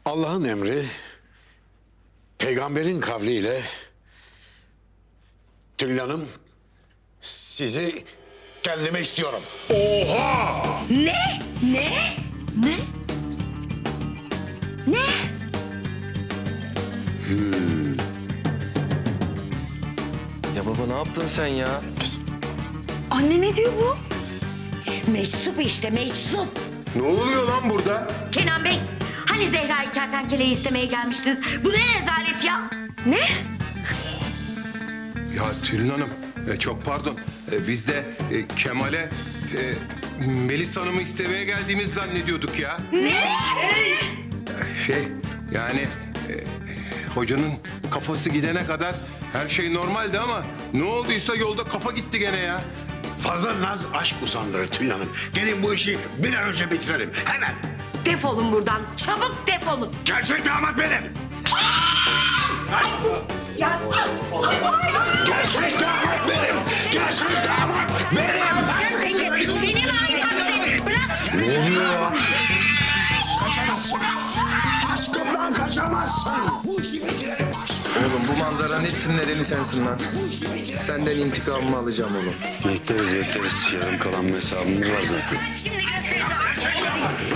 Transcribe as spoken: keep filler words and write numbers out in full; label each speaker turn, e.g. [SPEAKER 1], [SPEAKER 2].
[SPEAKER 1] Allah'ın emri, peygamberin kavliyle Tülin Hanım sizi kendime istiyorum.
[SPEAKER 2] Oha!
[SPEAKER 3] Ne? Ne? Ne? Ne?
[SPEAKER 4] Ya baba ne yaptın sen ya?
[SPEAKER 3] Anne ne diyor bu? Meczup işte meczup.
[SPEAKER 2] Ne oluyor lan burada?
[SPEAKER 3] Kenan Bey, hani Zehra'yı kertenkeleyi istemeye gelmiştiniz? Bu ne rezalet ya? Ne?
[SPEAKER 2] Ya Tülin Hanım, e, çok pardon. E, biz de e, Kemal'e e, Melis Hanım'ı istemeye geldiğimizi zannediyorduk ya.
[SPEAKER 3] Ne?
[SPEAKER 2] Şey, yani e, hocanın kafası gidene kadar her şey normaldi ama ne olduysa yolda kafa gitti gene ya.
[SPEAKER 1] Fazla naz aşk usandırır Tülin Hanım. Gelin bu işi bir an önce bitirelim. Hemen.
[SPEAKER 3] Defolun buradan, çabuk defolun.
[SPEAKER 1] Gerçek damat benim.
[SPEAKER 3] Ya,
[SPEAKER 1] Gerçek damat benim. Gerçek damat benim.
[SPEAKER 3] Seni var ya, bırak.
[SPEAKER 1] Ne oluyor ya? Kaçamazsın. Aşkımdan kaçamazsın. Bu işi bitirelim aşkım.
[SPEAKER 4] Oğlum bu manzaranın hepsinin nedeni sensin lan. Senden intikamımı alacağım oğlum.
[SPEAKER 5] Bekleriz bekleriz. Yarım kalan bir hesabımız var zaten.
[SPEAKER 3] Şimdi göstereceğim.